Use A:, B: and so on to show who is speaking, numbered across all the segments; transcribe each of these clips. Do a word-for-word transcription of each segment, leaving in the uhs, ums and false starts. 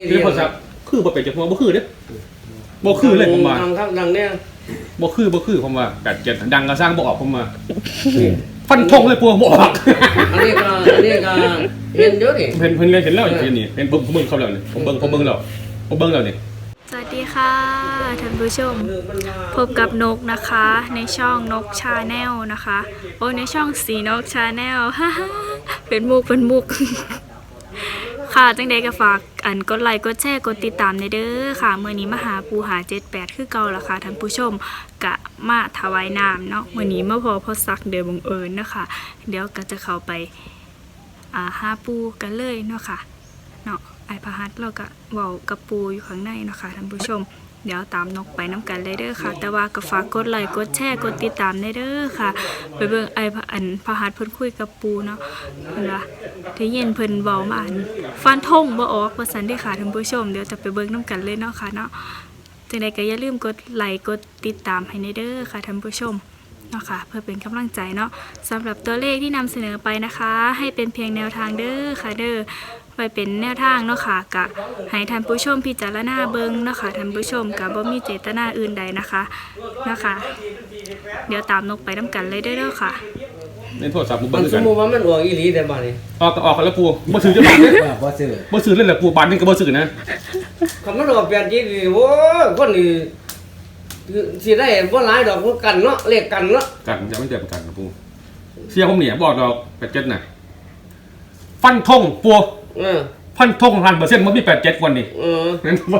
A: คือพอสักคือบ่เป็นจังว่าบ่คือเด้บ่คือเลยผมว่า
B: ดังครับดังเนี่ย
A: บ่คือบ่คือผมว่าแปดเจ็ดดังก็สร้างบ่ออกผมว่าฟันธงเลยพวกบ่ออก
B: อันนี้ก็อันนี้ก็เห็นเยอะดิ
A: เห็นเพิ่นเห็นแล้วอย่างนี้เห็นเบิ่งผมเบิ่งเขาแล้วนี่ผมเบิ่งผมเบิ่งแล้วผมเบิ่งแล้วนี่
C: สวัสดีค่ะท่านผู้ชมพบกับนกนะคะในช่องนกชาแนลนะคะโอ้ในช่องสีนกชาแนลฮ่าฮ่าเป็นมุกเป็นมุกค่ะจังใดก็ฝากอันกดไลค์กดแชร์กดติดตามในเด้อค่ะเมื่อนี้มาหาปูหาเจ็ดแปดคือเก่าละค่ะท่านผู้ชมกะมาถวายน้ำเนาะเมื่อนี้มาพอพอสักเดี๋ยวบังเอิญนะคะเดี๋ยวก็จะเข้าไปอ่าหาปูกันเลยเนาะค่ะเนาะไอพหัสเราก็เว้ากับปูอยู่ข้างในเนาะค่ะท่านผู้ชมเดี๋ยวตามนกไปน้ำกันเลยเด้อค่ะแต่ว่าก็ฝากกดไลค์กดแชร์กดติดตามในเด้อค่ะไปเบิ่งไออันพหัสเพิ่นคุยกับปูเนาะเพิ่นว่าที่เย็นเพิ่นเว้ามาอันฟันธงบ่ออกว่าซั่นเด้อค่ะท่านผู้ชมเดี๋ยวจะไปเบิ่งน้ำกันเลยเนาะค่ะเนาะจังใดก็อย่าลืมกดไลค์กดติดตามให้ในเด้อค่ะท่านผู้ชมเนาะค่ะเพื่อเป็นกำลังใจเนาะสำหรับตัวเลขที่นำเสนอไปนะคะให้เป็นเพียงแนวทางเด้อค่ะเด้อไปเป็นแนวทางเนาะค่ะกะให้ท่านผู้ชมพิจารณาเบิ่งเนาะค่ะท่านผู้ชมกะบ่มีเจตนาอื่นใดนะคะนะคะเดี๋ยวตามนกไปนำกันเลยเด้อค่ะ
A: ในโทรศัพท์บ่
B: มั
A: เบิ่
B: น
A: ง
B: ส
A: กั
B: ม
A: น
B: มุติว่ามันออกอีหลีแต่บัดนี้
A: ออกก็ออกกันแล้วปูบ่ซื้อจังบาทเด้
D: บ่ซื้อ
A: บ่ซื้อเลยแหละปูบาทนึงก็บ่ซื้อนะ
B: คันมันออกแปดจีนี่โอ้ยคนนี่สิได้บ่หลายดอกกันเนาะเลขกันเนาะ
A: กันจะไม่เจ็บกันนะปูเสียผมเนี่ยบอกดอกแปดเจ็ดน่ะฟันธงปู
B: เออ
A: ฟันธง หนึ่งพันเปอร์เซ็นต์มันมีแปดเจ็ดวันนี่
B: เออ
A: นั่นว่า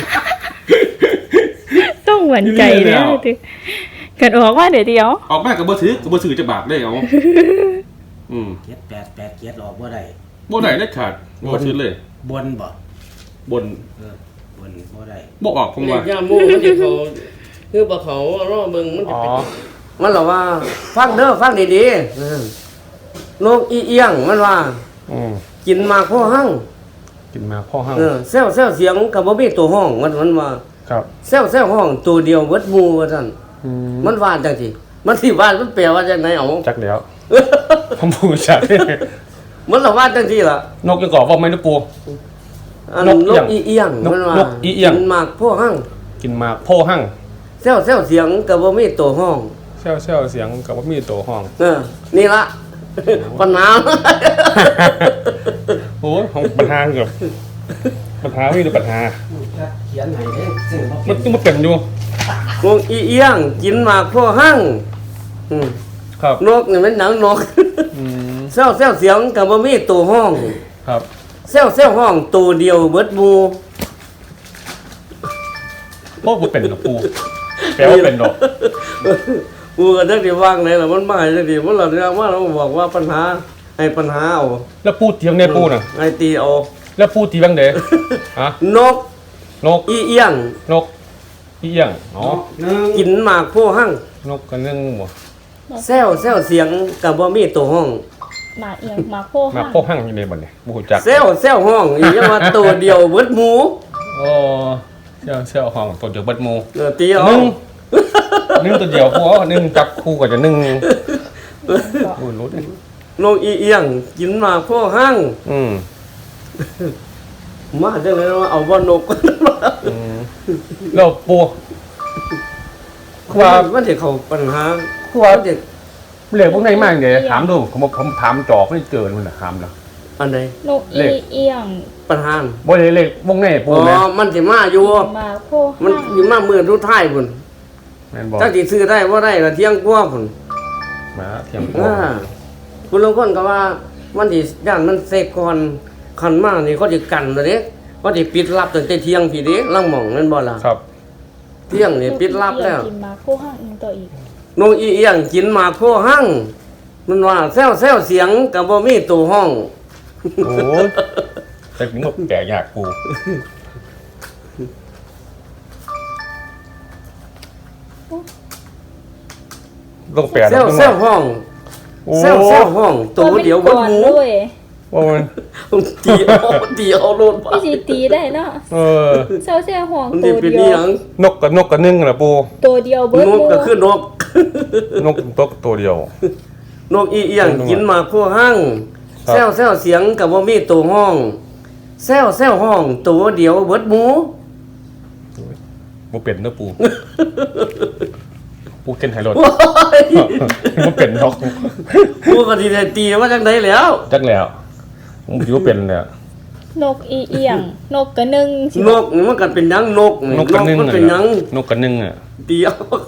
C: ต้องหวั่นใจเด้อกันออกว่าเดี๋ยวเดียว
A: ออกมาก็บ่ถือก็บ่ซื้อจักบาทได้เอาอืม
D: เจ็ดแปด แปด เจ็ดออกบ่ได้
A: บ่ได้เด็ดขาดบ่ซื้อเลย
D: บนบ่
A: บน
D: เออบนบ่ได้
A: บ่ออกผมว่า
B: เลขยามูมันสิเขาคือบ่เขารอเบิ่งมันจะเป็นมันเหรอว่าฟังเด้อฟังดีๆเออนกอีเอียงมันว่า
A: อืม
B: กินหมากพ่อหั่ง
A: กินมาพ่อหั่ง
B: เออแซวๆเสียงก็บ่มีตัวห้องมันมันว่า
A: ครับ
B: แซวๆห้องตัวเดียวเบิดหมู่ว่าซั่น
A: อืม
B: มันว่าจังซี่มันสิว่ามันแปลว่าจังได๋เอา
A: จักแล้วผมบ่รู้จัก
B: มันละว่าจังซี่ล่ะ
A: นกยังกอบว่าไม่นะปู
B: อันนกอีเอียงมันว่านก
A: อีเอียง
B: กินหมากพ่อหั่ง
A: กินมาพ่อหั่ง
B: แซวๆเสียงก็บ่มีตัวห้อง
A: แซวๆเสียงก็บ่มีตัวห้อง
B: เออนี่ล่ะปัญหา
A: โอ้ยของปัญหากับปัญหามีแต่ปัญหา
D: เขียนให้เด้ซื้อบ่
A: มันต้องมาเป็นอยู่
B: นกอีเอียงกินหมากพ่อหั่งอืม
A: ครับ
B: นกนี่มันหนังนก
A: อืม
B: แซวๆเสียงก็บ่มีตัวห้อง
A: ครับ
B: แซวๆห้องตัวเดียวเบิดหมู่
A: บ่บ่เป็นดอกปูแปลว่าเป็นดอก
B: กูก็จักสิวางไหนล่ะมันมาจังซี่มันล่ะเนี่ยว่าเราบอกว่าปัญหาให้ปัญหาเอา
A: แล้วพูดเถียงในปูน่ะ
B: ไอ้ตีเอา
A: แล้วพูดตีบังเด้ฮะ
B: นก
A: นก
B: อีเอียง
A: นกอีเอียงอ๋อ
B: กินหมากผู้หั่ง
A: นกกันเรื่องบ่
B: แซวแซวเสียงก็บ่มีตัวห้อง
C: หมาเอียงหมาโพ
A: หั่งหมาโพหั่งอยู่ในบ่เนี่ยบ่ฮู้จัก
B: แซวแซวห้องอีหยังว่าตัวเดียวเบิดหมู่
A: โอ้แซวแซวห้องตัวเดียวเบิดหมู่
B: เออตีเอา
A: นึงนึงตัวเดียวพอนึงจับคู่ก็จะนึงโอ้รู้ดิ
B: นกอีเอียงกินหมากผู้หั่ง
A: อืม
B: มาจังได๋ว่าเอาบ่นก
A: อืมแล้วปู
B: ว่ามันสิเข้าปัญหา
A: ว่าเด็กเรื่องพวกไหนมาเด้ถามดูผมผมถามจอกไม่เจอมันน่ะถามแล้ว
B: อันใด
C: นกอีเอียง
B: ปัญหา
A: บ่ได้เลขวงไหนปูแม่
B: อ๋อมันสิมาอยู่
C: หมาโพ
B: มันสิมามื้อสุดท้ายพุ่น
A: แม่นบ่
B: จักสิซื้อได้บ่ได้ก็เที่ยงกว่าพุ่น
A: มาเที่ยงกว่า
B: คุณลางคนก็ว่ามันสิย่านมันเสกก่อนคันมานี่เขาสิกันแล้วเด้เขาสิปิดลับตั้งแต่เที่ยงพี่เด้ลังหม่องแม่นบ่ล่ะ
A: ครับ
B: เที่ยงนี่ปิดลับแล้ว
C: กินหมาโพหั่งอีกตัวอีก
B: นกอีเอียงกินหมากโพหั่งมันว่าแซวๆเสียงก็บ่มีตัวห้อง
A: โอ้ยแต่ถึงแบบแก่ยากกูลงแปด
B: แซวแซวห้องแซวแซวห้องตัวเดียวบนหมู
A: ว่ามัน
B: ตีเอาตีเอาโลด
C: พี่สิตีได้เนาะ
A: เออ
C: แซวแซวห้องตัวเดีย
A: วนกกับนกกับนึ่งน่ะปู
C: ตัวเดียวเบิด
B: นกก็คือนก
A: นกตกตัวเดียวน
B: กอีเอียงกินหมากโพหั่งแซวแซวเสียงก็บ่มีตัวห้องแซวแซวห้องตัวเดียวเบิดหมู
A: บ่เป็นเด้อปู ปูเกินไฮโลด
B: โอ้ย
A: บ่เป็นดอก
B: กูก็สิได้ตีว่าจังไดแล้ว
A: จักแล้วผมคิดว่าเป็นเลยอะ
C: นกอีเอียง นกกระนึงสิ
B: นกนี่มันก็เป็นหยังนก
A: นกกระนึ่ง
B: มัน
A: อะ
B: เป็นหยัง
A: นกกระนึ่งอะ
B: เดียว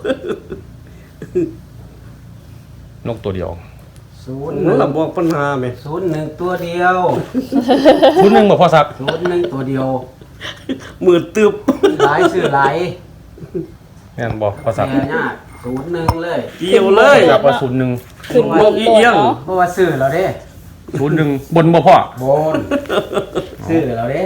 A: นกตัวเดียว
D: ศูนย์ห
B: นั่
D: นึ่
B: น
D: ง
B: ล่ะบอกปัญหาแม่
D: ศูนย์หนึ่งตัวเดียว
A: คุณนึงบ่พอสัก
D: ศูนย์หนึ่งตัวเดียว
B: มือตึบ
D: หลายซื้อหลาย
A: แม่นบ่พอสัก
D: แย่ยากศูนย์หนึ่งเลย
B: เกี่ยวเลย
A: อยากว่าศูนย์หนึ่ง
C: ขึ้น
B: นกอีเอียง
C: นาะ
D: เพราะว่าซื้อเราเด้
A: ศูนย์หนึ่งบนบ่พ่อบ
D: นซื้อเราเด้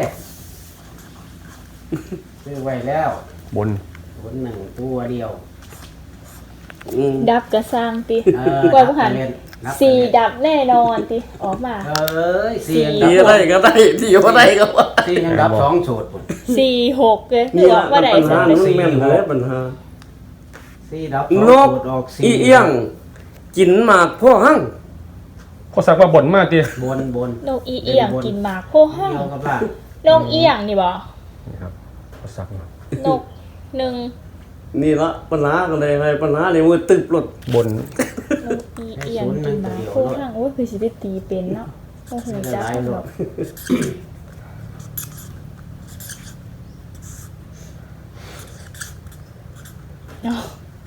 D: ซื้อไว้แล้ว
A: บน
D: ศูนย์หนึ่งตัวเดียว
B: อืม
C: ดับกระสร้างติ
D: เออก
C: ว่าบ่หัน
D: นับไปเล่นนับไป
C: สี่
D: เล่น
C: ดับแน่นอนติออกมา
D: เอ้ยสี่ยัง
B: ตี
D: ดับ
B: อะไรก็ได้ที่บ่ได้ก็ว่า
D: สี่ยังดับสองสูตรพุ่น
C: สี่หกเลยคือ
B: นี่
C: อ
B: ล่ะ
C: อกว่าได้
B: ปัญ
C: สอ
B: หาง
C: เลย
B: มันแม่นเลยปัญหา
D: สี่ดับ
B: น
D: สอง
B: ก
D: สูตรออกสี่
B: อีเอียง กินหมากพ่อหั่ง
A: พอสักว่าบนมากติ
D: บนบน
C: นกอีเอียงกินหมากโพห้าง
D: เดียวกับล่าง
C: นกอีเอียงนี่บ่
A: นี่ครับพอสักเนาะ
C: นกหนึ่ง
B: นี่ละปัญหาก็เลยให้ปัญหาเลยมือตึบรถ
A: บน
C: นกอีเอียงกินหมากโพห้างโอ้ยคือสิได้ตีเป็นเนาะโอ้โหจัก
D: หลาย
C: ห
D: ห
C: ร
D: ล
C: อ
D: อก ก
C: เนาะ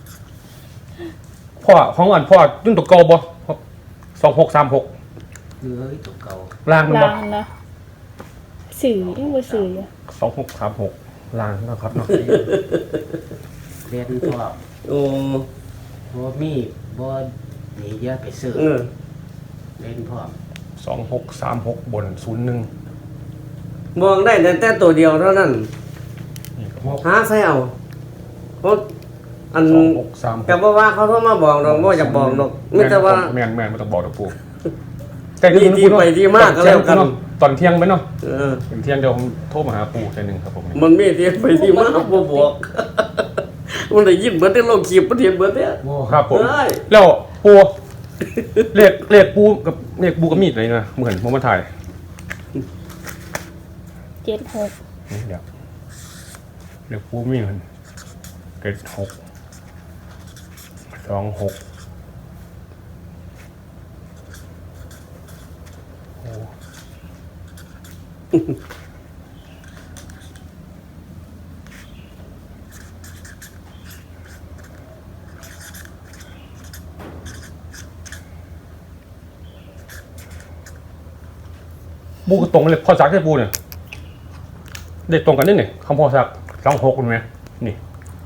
A: พ่อของอ่อนพ่อยุ่นตัวเก่าบ่สองหกสามหก
D: เฮ้ยตัวเก่า
A: ล่างมันบ่
C: ลางนะสื่อยังบ่สื่ออยู่
A: สองหกสามหกล่างนะครับเนาะ
D: เรียนพวก
B: โอ้
D: บ่มีบ่หนีเยอะไปซื้อ
B: เออ
D: เล่นพวก
A: สองหกสามหกบนศูนย์หนึ่ง
B: มองได้แต่แต่ตัวเดียวเท่านั้น
A: นี่ครับ
B: หาใส่เอาเพราะอัน
A: สองหกสามหก
B: กับว่าว่าเขาโทรมาบอกดอกบ่อยากบอกดอกไม่แต่ว่า
A: แม่นแม่นไม่ต้องบอกดอกปู
B: มีที่ไปที่มาก็แล้วกัน
A: ตอนเที่ยงไหมเนาะ
B: เออ
A: เป็นเที่ยงเดี๋ยวผมโทรมาหาปูแค่หนึ่งครับผม
B: มันมีที่ไปที่มาบ่บอก มันได้ยินเบิดได้ลงคลิปประเทศเบิดเนี่ย
D: โอ้
A: ครับผม
B: ได้
A: แล้วปูเลขเลขปูกับเลขปูกับมีดอะไรนะเหมือนผมมาถ่าย
C: เจ็ดหก
A: นี่เดี๋ยวเลขปูมีเหมือนเจ็ดหกสองหกโอ้ปูก็ตรงเลยพอสักได้ปูเนี่ยเด็กตรงกันนี่นี่คำพอสักสองหกเห็นไหมนี่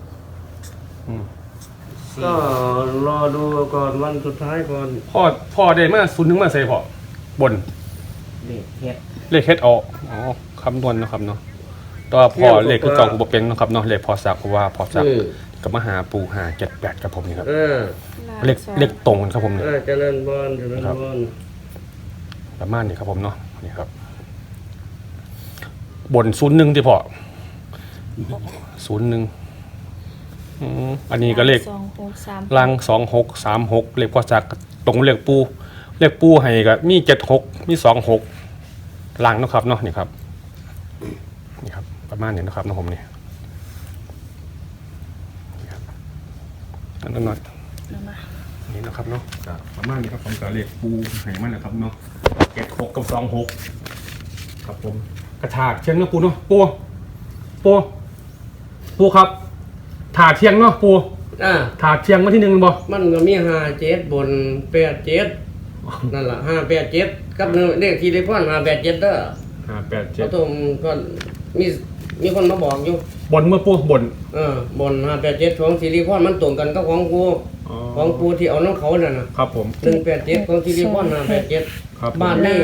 B: ก็รอดูก่อนวันสุดท้ายก่อน
A: พ่อพ่อได้มาศูนย์ถึงมาใส่พ่อบน
D: เด็กเฮ็ด
A: เลขเฮ็ดออกอ๋อคำนวณนะครับเนาะแตัวาพ่อเลขคือเก่ากูบ่เป็นเนาะครับเนาะเลขพอสักเพราะว่าพอสัก
B: อืม
A: กับมาหาปูหาเจ็ดแปดครับผมนี่ครับ
B: เออ
A: เลขเลขตรงกันครับผม
B: เอ
A: นี่
B: อเจริญพรเจริญพร
A: ประมาณนี้ครับผมเนาะนี่ครับ บนศูนย์หนึ่งที่พ่อศูนย์หนึ่งอืมอันนี้ก็เลข
C: สองหกสาม
A: ลังสองหกสามหกเลขพอสักตรงเลขปูเลขปูให้ก็มีเจ็ดหกมีสองหกลังเนาะครับเนาะนี่ครับนี่ครับ ประมาณนี้นะครับเนาะผมนี่นี่ครับอันนั้นหน่อย
C: เอามา
A: นี่นะครับเนาะก็ประมาณนี้ครับผมก็เลขปูให้มันนะครับเนาะเจ็ดหกกับสองหกครับผมกระถาดเชียงเนาะปูเนาะปูปูปูครับถาดเชียงเนาะปู
B: อ่า
A: ถาดเชียงมาที่หนึ่งบ่
B: มันก็มีห้าเจ็ดบนแปดเจ็ดนั่นล่ะห้าแปดเจ็ดกับเลขที่เลขพ่อนห้าแปดเจ็ดเด้อ
A: ห้าแปดเจ็
B: เขา
A: ด
B: ตรงก็มีมีคนมาบอกอยู่
A: บนเมื่อปูบน
B: เออบนห้าแปดเจ็ดของสิริพรมันตรงกันกับของกูของกูที่เอาน้ำเขานั่นน่ะ
A: ครับผม
B: หนึ่งแปดเจ็ดของสิริพรห้าแปดเจ็ด
A: ครับผม
B: บ้านนี่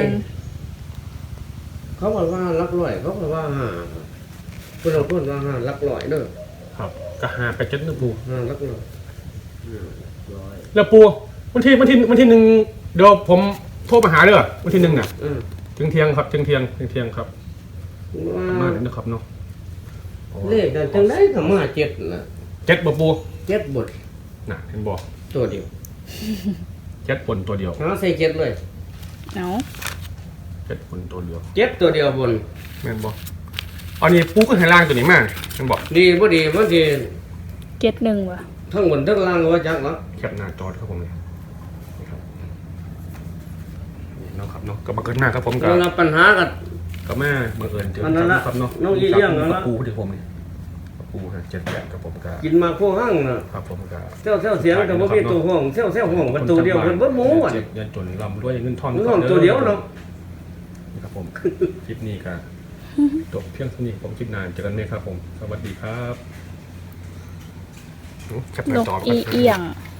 B: เขาบอกว่ารักร้อยเขาบอกว่าห้าคุณเราพูดว่าห้ารักร้อยเด้อ
A: ครับก็ห้าแปดเจ็ดเนื้อปู
B: ห้ารักร้อย
D: ร้อย
A: แล้วปูวันที่วันที่วันที่หนึ่งเดี๋ยวผมโทรมาหาเด้อวันที่หนึ่งน่ะ
B: เออ
A: ถึงเที่ยงครับถึงเที่ยงถึงเที่ยงครับ
B: ว่า
A: ประมาณนี้นะครับเนาะ
B: เลขนั้นจังได้ก็มาเจ็ดน่ะ
A: เจ็ดบ่ปู
B: เจ็ดบท
A: น่ะเห็นบ่
B: ตัวเดียว
A: เจ็ดบนตัวเดียว
B: หาใส่เจ็ดเลย
C: เอา
A: เจ็ดคนตัวเดียว
B: เจ็ดตัวเดียวบน
A: แม่นบอกอันนี้ปูก็ให้ล่างตัวนี้มาแม่นบอก
B: ดีบ่ดีบ่ดี
C: เจ็ดหนึ่งวะ
B: ทั้งบนทั้งล่างว่าจักเนาะ
A: แคปหน้าจอครับผมเลยนี่ครับนี่เนาะครับเนาะก็มาเกิดหน้าครับผมกับ
B: มันปัญหากัน
A: กับแม่เมื่อเอิญเจอ
B: อันนั้นละ
A: ครับเนาะ
B: น้องอีเลี้ยงแล้ว
A: กั
B: ละ
A: บปูที่ผมนี่กับปูฮะเจ็ดแปดกับผมกับ
B: กินมาพวกห้างน่ะ
A: ครับผมกับ
B: เซลเซลเสียงก็บ่มีตัวห้องเซลเซลห้องประตูเดียวเพิ่นเบิดหมูอ่ะ
A: เจ็บยันจนลำด้วยเงินทอน
B: เงินทอนตัวเดียวเนาะ
A: นี่ครับผมคลิปนี้ก็จบเพียงเท่านี้ผมคลิปหนานเจอกันไหมครับผมสวัสดีครับแคปห
C: น
A: น้าก จอ
C: อีเอียง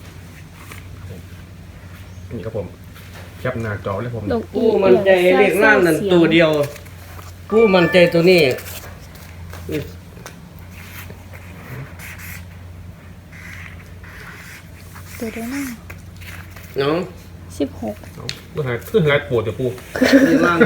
A: นี่ครับผมแคปหน้าจอเลยผม
C: นกอี
B: ผู้
C: เอี
B: มัน
C: ยง
B: ใจเรียกล่างนั่นตัวเดียว ผู้มันใจตัวนี้
C: ตัวเดียวนั่ง
B: เนาะ
C: สิบหก
A: เอาเพื่อหายเพื่อหายปวดเดี๋ยวปู
B: เรียกล่าง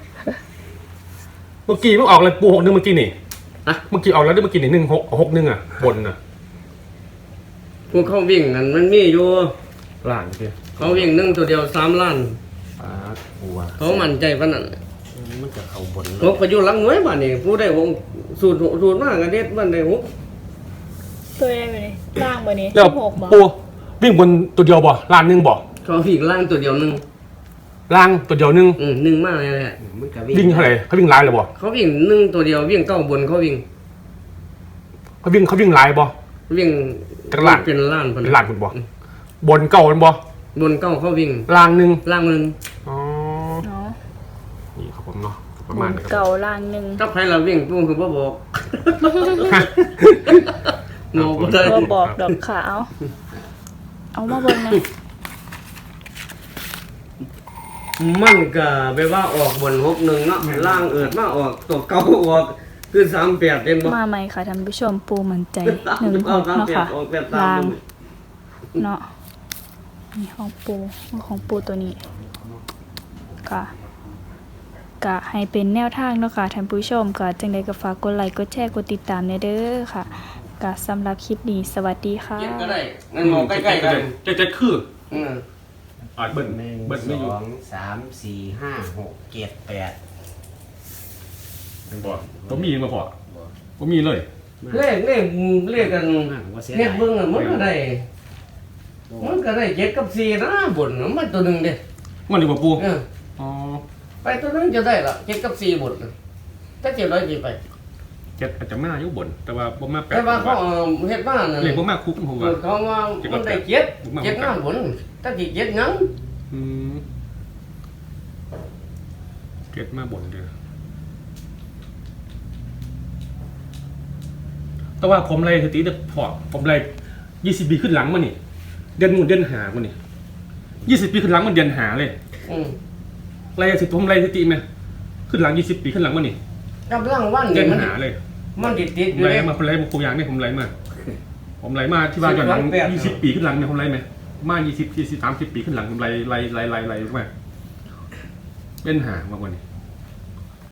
A: เมื่อกี้มันออกอะไรปูหกหนึ่งเมื่อกี้นี่
B: อะ
A: เมื่อกี้ออกแล้วได้เมื่อกี้นี่หนึ่งหกหกหนึ่งอ่ะบนอ่ะ
B: พวกเขาวิ่งนั่นมันมีอยู่
A: ล่างพี่
B: เขาวิ่งหนึ่งตัวเดียวสามล้าน
D: ปลาบัว
B: เขามั่นใจปานนั้น
D: มันจะเข้าบน
B: หกก็อยู่หลังหน่วยบ้านนี่ผู้ได้หกสูตรสูตรมากกันเด็ดบ้านได้หก
C: ตัวได้ไปนี่ล่างไปนี่
A: แล้ว
C: สิบหกบ่
A: ปูวิ่งบนตัวเดียวบ่ล่างหนึ่งบ่
B: เขาวิ่งล่างตัวเดียวหนึง
A: ล่างตัวเดียวหนึ่ง
B: อืมหนึ่งมากเลยแหละ
D: มันก็
A: วิ่งเท่าไหร่เขาวิ่งลายเลยบ่
B: เขาวิ่งหนึ่งตัวเดียววิ่งเก้าบนเขาวิ่ง
A: เขาวิ่งเขาวิ่งลายบ่
B: วิ่ง
A: จักรล้าน
B: เป็นล้าน
A: เป็นล่างคุณบ่บนเก่ามันบ่
B: บนเก้าเขาวิ่ง
A: ล่างหนึ่ง
B: ล่างหนึ่ง
A: อ๋อ
C: เนาะ
A: นี่ครับผมเนาะประ
C: บ
A: มาณ
C: น
A: นี้ครับ
C: เก่าล่างหนึ่ง
B: ถ้าใครเราวิ่งปุ้งคือบ่บอกโง่บ่ได้
C: ก็บอกดอกขาว เอามาเบิ่งนะ
B: มันก็แปลว่าออกบนหกหนึ่งเนาะล่างเอิดมาออกตัวเก้าออกคือสามแปดเห็นบ่
C: มาใหม่ค่ะท่านผู้ชมปูมั่นใจหนึ่งหก
B: สาม
C: เนาะ
B: แปด
C: ค่ะ
B: ออกแปดสา
C: ล่าม งเนาะนี่ของปูของปูตัวนี้ค่ะกะให้เป็นแนวทางเนาะค่ะท่านผู้ชมก็จังใดก็ฝากกดไลค์กดแชร์กดติดตามแน่เด้อค่ะกะสำหรับคลิปนี้สวัสดีค่ะ
B: เจ็ดก็ได้นั่นมองใกล้ๆกัน
A: เจะจะคือ
B: อืม
A: อ่าเบิ้ล
D: หนึ่ง
A: เบิ้ลไม่อ
D: ส
A: ยู่
D: องสามสี่ห้าหกเจ็ดแปด
A: บ่ผมมีมาพอผมมีเลย
B: เลขเลขเลขกัน
D: มากว่าเสีย
B: เฮ็ด
D: ดาย
B: เบิ่งอะมันก็ได้มันก็ได้เจ็ดกับสี่นะบนน่ะมันตัวหนึงเด้
A: มันอยู่บ่ปู
B: เออ
A: อ๋อ
B: ไปตัวหนึงจะได้ละเจ็ดกับสี่บนน่ะถ้าเจ็ดร้อยกี่ไป
A: เจ็ดอาจจะมาอยู่บน แต่ว่าบ่มาแปด
B: แต่ว่าเขาเอาเฮ็ดบ้านน่ะ
A: เลขบ่มาคุกผมว่า
B: เขาว่ามันได้เจ็ด
A: ผมว่า
B: เจ็ดหน้าบนถ้าสิเจ็ดหยัง
A: อืมเจ็ดมาบนเด้อแต่ว่าผมเลยสติเด็กพอผมเลยยี่สิบปีขึ้นหลังมานี่ เดือนหมุนเดือนหามานี่ยี่สิบปีขึ้นหลังมันเดือนหาเลย
B: อืม
A: ไล่สิผมไล่สติไหมขึ้นหลังยี่สิบปีขึ้นหลังมานี่
B: กำลังวัน
A: เดื
B: นี่
A: อน
B: มัน
A: หาเลย
B: มันติดติด
A: ผ
B: อ
A: ม
B: ยู่
A: ไล่
B: เด้
A: มาผมไล่มาครูยางเนี่ยผมไล่มา ผมไล่มาที่บ้านย้อนหลัง
B: สิบสองแปด
A: ยี่สิบปีขึ้นหลังเนี่ยผมไล่ไหมมายี่สิบสี่สิบสามสิบปีขึ้นหลังผมไล่ไล่ไล่ไล่ไล่ไล่มาเป็นหามาวันนี้